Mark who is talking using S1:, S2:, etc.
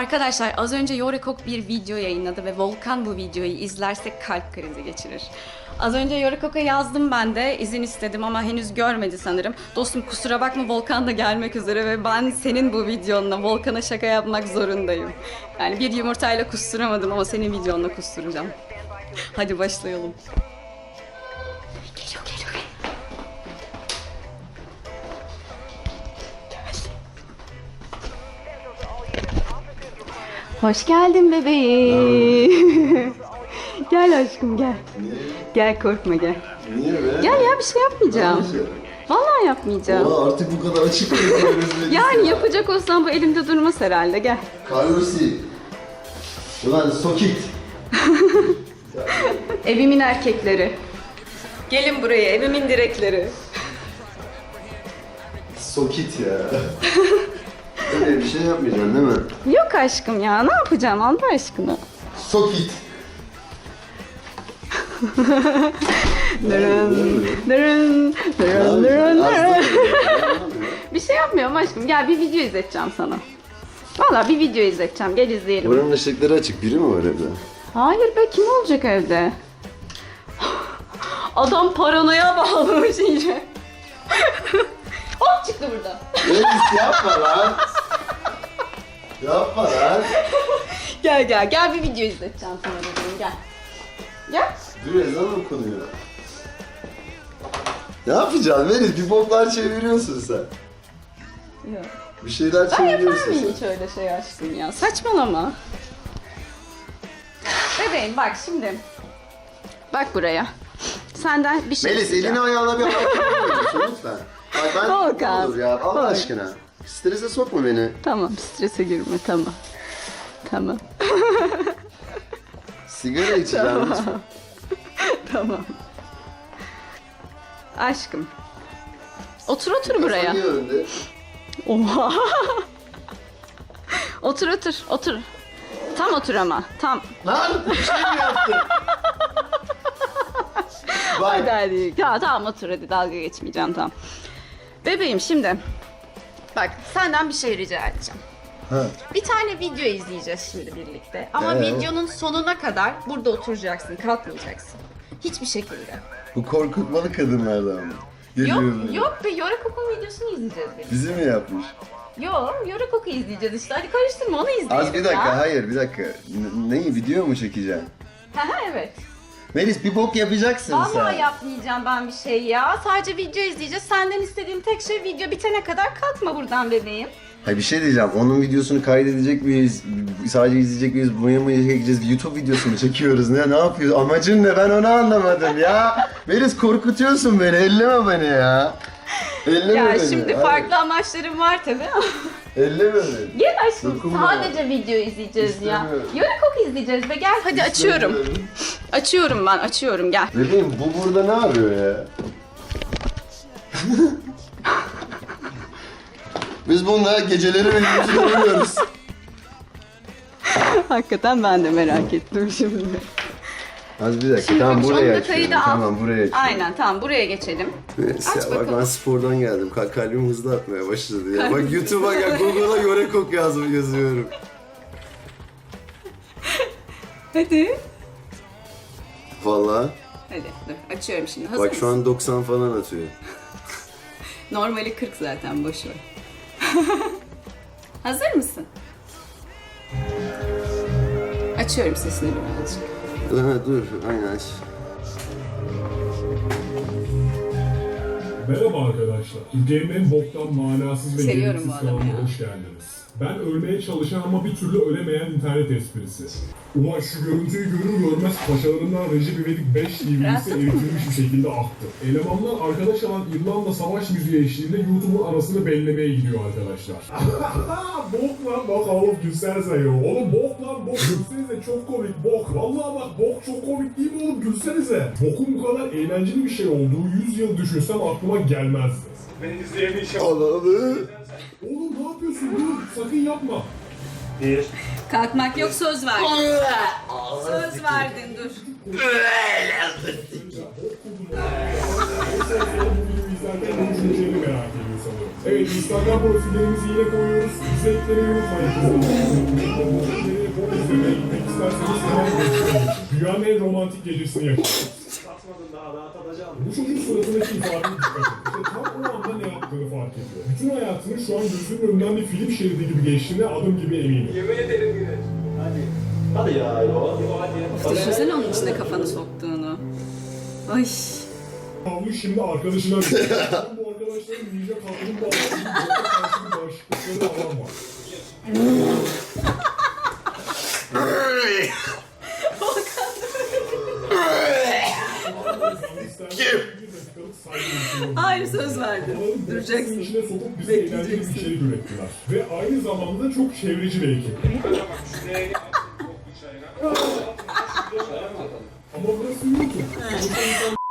S1: Arkadaşlar az önce Yorekok bir video yayınladı ve Volkan bu videoyu izlerse kalp krizi geçirir. Az önce Yorekok'a yazdım ben de, izin istedim ama henüz görmedi sanırım. Dostum kusura bakma, Volkan da gelmek üzere ve ben senin bu videonla Volkan'a şaka yapmak zorundayım. Yani bir yumurtayla kusturamadım ama senin videonla kusturacağım. Hadi başlayalım. Geliyor. Hoş geldin bebeğim. Gel aşkım gel.
S2: Niye?
S1: Gel korkma gel.
S2: Niye be?
S1: Gel ya, bir şey yapmayacağım. Vallahi yapmayacağım.
S2: Aa, artık bu kadar açık yapıyoruz.
S1: Yani yapacak olsam bu elimde durmaz herhalde, gel.
S2: Carlosi. Ulan sokit.
S1: Evimin erkekleri. Gelin buraya, evimin direkleri.
S2: Sokit ya. Öyle bir şey yapmayacaksın değil mi?
S1: Yok aşkım ya, ne yapacağım Allah aşkına.
S2: Sokit.
S1: Dırın. Bir şey yapmıyorum aşkım, gel bir video izleteceğim sana. Vallahi bir video izleteceğim, gel izleyelim.
S2: Buranın ışıkları açık. Biri mi var evde?
S1: Hayır be, kim olacak evde? Adam paranoya bağlamış iyice. Hop çıktı burada.
S2: Melis yapma lan. Yapma lan.
S1: Gel bir video izleteceğim sana dedim, gel. Gel.
S2: Dur, ezan okunuyor. Ne yapacaksın Melis? Bir boklar çeviriyorsun sen.
S1: Yok.
S2: Bir şeyler
S1: Ben yapar
S2: çeviriyorsun
S1: mıyım
S2: sen.
S1: hiç öyle şey aşkım ya? Saçmalama. Bebeğim bak şimdi. Bak buraya. Senden bir şey
S2: Melis
S1: isteyeceğim.
S2: elini ayağına bir hareket ediyorsun lütfen. Bak ben
S1: Volkan,
S2: ne olur ya Allah
S1: Volkan.
S2: aşkına. Strese sokma beni.
S1: Tamam, strese girme, tamam. Tamam.
S2: Sigara içeceğim lütfen.
S1: Tamam. Aşkım. Otur buraya.
S2: Niye önde?
S1: Oha. Otur. Tam otur ama, tam.
S2: Lan bir şey mi yaptın?
S1: Hadi
S2: Bak.
S1: hadi. Ya, tamam otur hadi, dalga geçmeyeceğim, tamam. Bebeğim şimdi. Bak senden bir şey rica edeceğim.
S2: Ha.
S1: Bir tane video izleyeceğiz şimdi birlikte. Ama
S2: Evet.
S1: videonun sonuna kadar burada oturacaksın, kalkmayacaksın. Hiçbir şekilde.
S2: Bu korkutmalı kadınlardan mı? Geliyor böyle.
S1: Yok be, Yorekok'un videosunu izleyeceğiz birlikte.
S2: Bizi mi yapmış?
S1: Yok, Yorekok'u izleyeceğiz işte. Hadi karıştırma, onu izleyelim.
S2: Az bir dakika,
S1: ya.
S2: hayır bir dakika. Neyi, video mu çekeceksin?
S1: Evet.
S2: Melis bir bok yapacaksın sen.
S1: Vallahi yapmayacağım ben bir şey ya. Sadece video izleyeceğiz. Senden istediğim tek şey video bitene kadar kalkma buradan bebeğim.
S2: Hayır bir şey diyeceğim. Onun videosunu kaydedecek miyiz? Sadece izleyecek miyiz? Buraya mı çekeceğiz? YouTube videosu mu çekiyoruz? Ne yapıyoruz? Amacın ne? Ben onu anlamadım ya. Melis korkutuyorsun beni. Elleme beni ya. Elleme
S1: Ya
S2: beni.
S1: şimdi
S2: Hayır.
S1: farklı amaçlarım var tabii ama.
S2: Elleme beni.
S1: Gel aşkım,
S2: Dokunma.
S1: sadece video izleyeceğiz ya.
S2: İstemiyorum.
S1: Yorekok izleyeceğiz be, gel hadi açıyorum.
S2: İstemiyorum.
S1: Açıyorum gel.
S2: Bebeğim bu burada ne yapıyor ya? Biz bununla geceleri birbirimizi görüyoruz.
S1: Hakikaten ben de merak ettim şimdi.
S2: Az bir dakika.
S1: Şimdi
S2: Tamam
S1: bak,
S2: buraya
S1: şu kaydı
S2: açıyorum.
S1: al.
S2: Tamam buraya açıyorum.
S1: Aynen, tamam buraya geçelim.
S2: Neyse
S1: Aç
S2: ya, bak
S1: bakalım.
S2: ben spordan geldim. Kalbim hızlı atmaya başladı ya. Bak YouTube'a gel, Google'a Yorekok yazıyorum.
S1: Hadi.
S2: Vallahi.
S1: Hadi dur, açıyorum şimdi. Hazır
S2: Bak şu
S1: mısın?
S2: an 90 falan atıyor.
S1: Normali 40 zaten, boş ver. Hazır mısın? Açıyorum sesini birazcık.
S2: Ha, dur aynen aç.
S3: Merhaba arkadaşlar. Türkiye'nin en boktan, manasız ve
S1: Seviyorum
S3: gereksiz
S1: bu adamı
S3: kanalına
S1: ya.
S3: hoş geldiniz. Ben ölmeye çalışan ama bir türlü ölemeyen internet esprisi. Ulan şu görüntüyü görür görmez paşalarından Recep İvedik 5 DVD'si eritilmiş bir şekilde aktı. Elemanlar arkadaş alan İrlanda savaş müziği eşliğinde YouTube'un arasını bellemeye gidiyor arkadaşlar. Bok lan bak oğlum gülsenize ya. Oğlum bok lan bok gülsenize, çok komik bok. Vallahi bak bok çok komik değil mi oğlum, gülsenize. Bokun bu kadar eğlenceli bir şey olduğu 100 yıl düşünsem aklıma gelmezdi. Ben izleyebileceğim.
S2: Ananı.
S3: Oğlum ne yapıyorsun? Dur, sakın yapma.
S1: Kalkmak yok, söz verdin. Söz verdin, dur.
S3: İzlerken bu düşünceleri merak ediyor sanırım. Evet, Instagram profillerimizi yine koyuyoruz. Bize eklemeyi unutmayın. İzlemeye gitmek isterseniz hemen geçelim. Dünyanın en romantik gecesini yaşayın. Bu çocuk suratındaki ifadeye dikkat edin. İşte tam o anda ne yaptığını fark ediyor. Bütün hayatının şu an gözünün önünden bir film şeridi gibi geçtiğine adım gibi eminim.
S4: Yemin ederim yine. Hadi. Hadi ya. Hadi.
S1: Düşünsene onun içine kafanı soktuğunu. Ay.
S3: Havlu şimdi arkadaşına veriyor. Bu arkadaşların ninja kaplumbağalarının karşı bir bağışıklıkları alan var.
S1: Hayır, söz verdin. Duracaksın.
S3: İçine sokup bize eğlenceli bir içerik ürettiler. Ve aynı zamanda çok çevreci bir ekip. Ama burası YouTube.